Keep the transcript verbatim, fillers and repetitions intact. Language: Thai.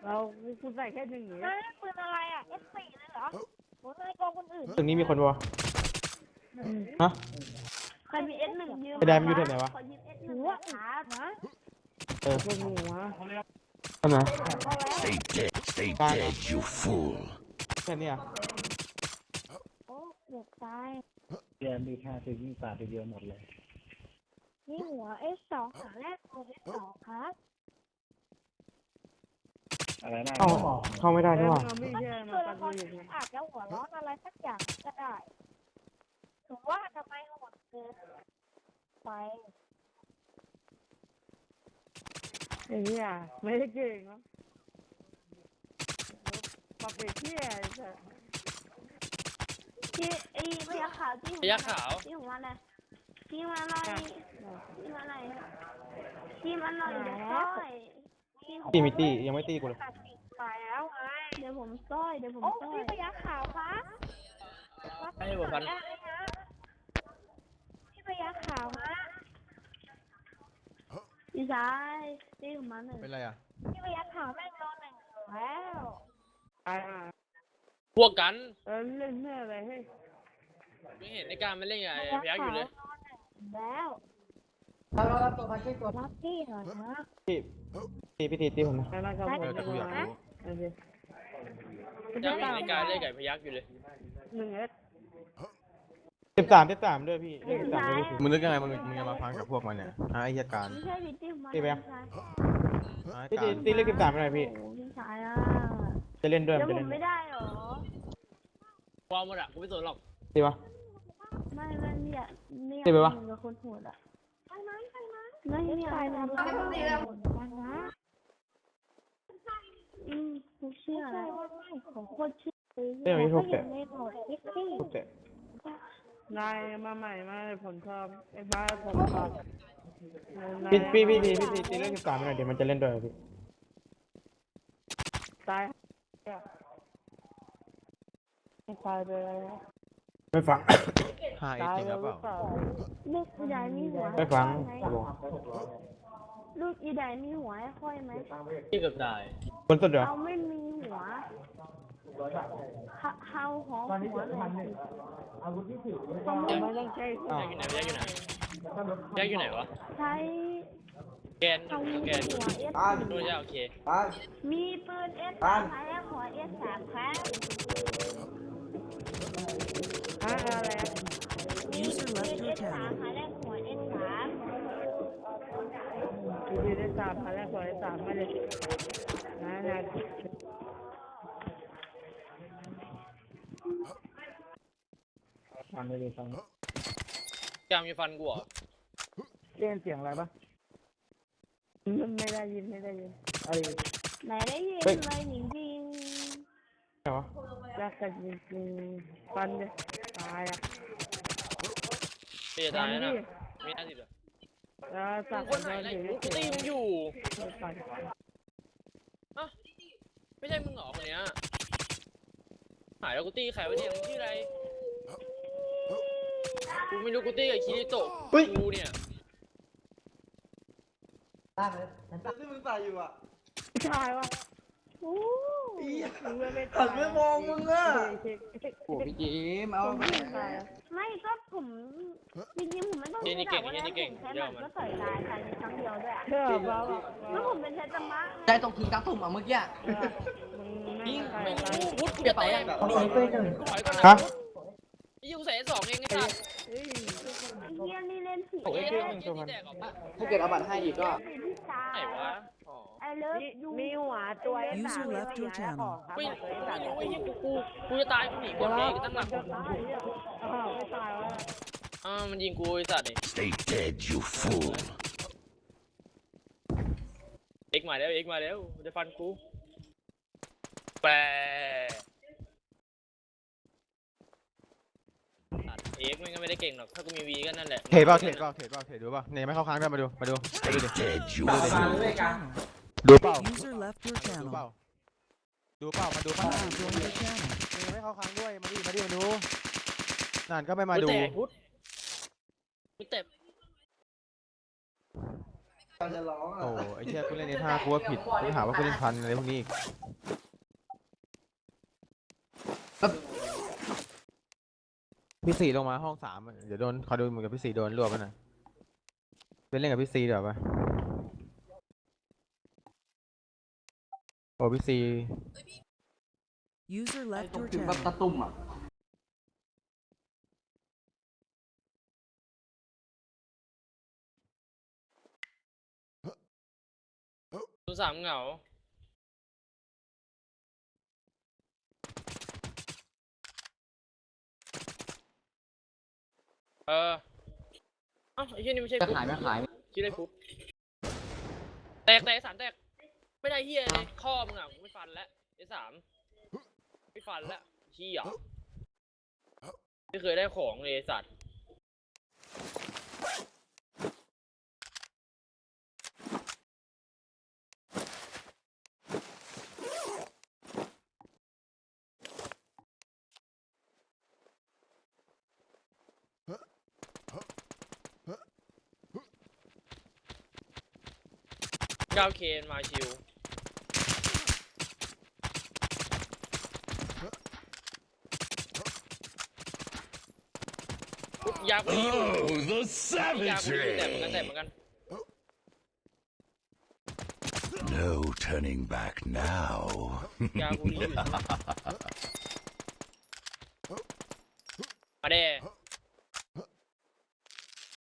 เราคุณใส่แค่หนึ่งอย่างเงี้ยปืนอะไรอ่ะ เอส สี่ เลยเหรอโหนายกองคนอื่นตึกนี้มีคนปะฮะใครมี เอส หนึ่ง ยืมไอ้แดนมันอยู่แถวไหนวะขอยืม เอส หนึ่ง ครับนะเออพวกหนูวะทำไม Stay dead, stay Bye. dead, you fool. แค่นี้อ่ะโอ้เกือบตายเรียนมีแค่ซื้อยิ่งตาทีเดียวหมดเลยนี่หัว เอส สอง ขาแรกตัว เอส สอง ครับอะไรนะเข้าเข้าไม่ได้ด้วยว่ะเราไม่มันใช่มีมาตัวตัละดครมือที่ไงอาจจะหัวร้อนอะไรสักอย่างก็ได้ถือว่าทำไมโหดเกินไปไอ้เหี้ยไม่ได้เก่งเนาะปรับไปเที่ยไอ้สัสที่ไอ้พยักขาวที่หัวพยัคฆ์ขาวที่หัวอะไรที่มาหน่อยที่มาหน่อยที่มาหน่อยเดี๋ยวซ้อยที่หัวตีมิตี้ยังไม่ตีกูเลยไปแล้วไงเดี๋ยวผมซ้อยเดี๋ยวผมซ้อยพี่พยักขาวคะให้ผมพันได้ฮะพี่พยักขาวฮะพี่ชายพี่ของมันหนึ่งเป็นไรอ่ะพี่พยักขาวแม่งโดนหนึ่งแล้วตายอ่ะพวกกันเออเล่นเมื่ออะไรให้ไม่เห็นในการมันเล่นไงไอ้พยักอยู่เลยแล้วรับพี่หน่อยนะพี่ตีพี่ตีตีผมนะใครมากับผมเออแต่กูอยากรู้โอเคยังไม่เห็นในการเล่นไก่พยักอยู่เลยหนึ่งเอสสิบสามสิบสามด้วยพี่เลขสิบสามด้วยพี่มึงนึกยังไงมึงมึงจะมาพังกับพวกมันเนี่ยฮะไอ้เหตุการณ์ไม่ใช่พี่ที่ของมันตีไปยังพี่ชายฮะไอ้พี่ตีการตีเลขสิบสามไปหน่อยพี่โอ้พี่ชายอ่ะจะเล่นด้วยเดี๋ยวจะผเล่นมด้วไม่ยได้หรอความหมดอ่ะกูไม่สนหรอกตีปะไม่ไม่เนี่ยเนี่ยตีไปวะกับคนโหดอ่ะไปไหมไปไหมไม่เนี่ยไปนะไปนะอืมกูเชื่อแล้วของโคตรเชื่อเรื่องนี้ถูกแต่ในโหมดคิดสิถูกแต่นายมาใหม่มาผลชอบไอ้บ้าผมชอบพี่พี่พี่ตีพี่ตีตีเลขสิบสามไปหน่อยเดี๋ยวมันจะเล่นด้วยพี่ตายไม่ตายไปแล้วไม่ฟังห้าเอตายจริงแล้หรืวอหเปรือล่าเปล่าลูกอีไดมีหัวไม่ฟังไหมบอกลูกอีไดมีหัวให้ค่อยไหมที่เกือบตายคนสุดเหรอเราไม่มีหัวเฮาหอมหัวเลยสิไม่ต้องใช้พยักอยู่ไหนพยักอยู่ไหนพยักอยู่ไหนวะใช้แกนเอาแกนหัวเอสดูใช่โอเคมีปืนเอสสามใช้หัวเอสสามครับฮะอะไรอ่ะมีปืนเอสสามใช้หัวเอสสามดีได้สามพันแล้วขอได้สามไม่เลยนะนะฟังไม่ได้ฟังกามมีฟันกูเหรอเล่นเสียงอะไรปะไม่ได้ยินไม่ได้ยินไอ้ไหนได้ยินเลยจริงจริงไหนวะรักกันจริงๆฟันเลยตายอ่ะเสียตายแล้วนะมีห้าสิบเหรอแล้วสักคนไหนไหนกูตีมึงอยู่ฟันไม่ใช่มึงเหรอคนเนี้ยหายแล้วกูตีใครวะเนี่ยมึงชื่ออะไรกูไม่รู้กูตีกับคิริโตะกูเนี่ยที่มึงใส่อยู่อ่ะชายวะๆอู้หันไม่มองมึงอ่ะโอ้พี่จิมเอาไม่ก็ผมจริงๆผมไม่ต้องใช้ดาบวันนั้นผมใช้มันก็ต่อยตายภายในครั้งเดียวด้วยเชื่อเปล่าแล้วผมเป็นเทตมะใจตรงถึงกลางตุ่มอ่ะเมื่อกี้มึงยิงไม่ไม่ตายรู้พุทธกูจะแตกกูถอยก่อนนะฮะยี่กูใส่สองเองไอ้สัสเฮ้ยไอ้เหี้ยนี่เล่นสีโอ้ยเอเจ๊สมึงตัวมันแตกออกมาถ้าเกิดเอาบัตรให้อีกก็สีที่ตาไหนวะอ๋อไอเลิฟยูมีหัวตัวไอ้สาม User left your channel ไม่ไม่รู้ไอ้ยี่กูกูกูจะตายกูหนีกูเองตั้งหลักจะตายอ่ะอ้าวไม่ตายวะอ่ามันยิงกูไอ้สัตว์นี่ Stay dead, you fool. เอ็กมาแล้วเอ็กมาแล้วจะฟันกูแปรเอ็กมันก็ไม่ได้เก่งหรอกถ้ากูมีวีก็นั่นแหละเทรดเปล่าเทรดเปล่าเทรดเปล่าเทรดดูป่ะเนี่ยไม่เข้าค้างด้วยมาดูมาดูมาดู Stay ดิ dead, you ดูดิ fool. ดูเปล่า User left your ดู channel. เปล่าดูเปล่ามาดูป่ะ User joined your channel. เนี่ยไม่เข้าค้างด้วยมาดิมาดิมาดูนั่นก็ไม่มากูดูแตกพุทธกูเต็บจะร้องอ่ะโอ้ไอ้เชี่ยกูเล่นในท่ากูว่าผิดกูหาว่ากูเล่นพันอะไรพวกนี้อีกพี่สี่ลงมาห้องสามอะเดี๋ยวโดนคอยดูมึงกับพี่สี่โดนรวบไปนะเป็นเล่นกับพี่สี่เดี๋ยวปะโอ้พี่สี่ User ไอ้ left ตรง your ถึงแบบ channel. ตะตุ่มอ่ะศูนย์สามเหงาเออเอ้าไอ้เหี้ยนี่ไม่ใช่จะปุ๊บขายไม่ขายชื่ออะไรปุ๊บแตกแตกสามแตกไม่ได้เหี้ยเลยข้อมึงอ่ะกูไม่ฟันแล้วไอ้สามไม่ฟันแล้วเหี้ยไม่เคยได้ของเลยไอ้สัตว์เก้าเคนมาชิว ยากูดีอยู่ Oh, the ยากูดีอยู่แต่เหมือนกัน savagery! แต่เหมือนกัน No turning back now. ยากูดีอยู่มาเด้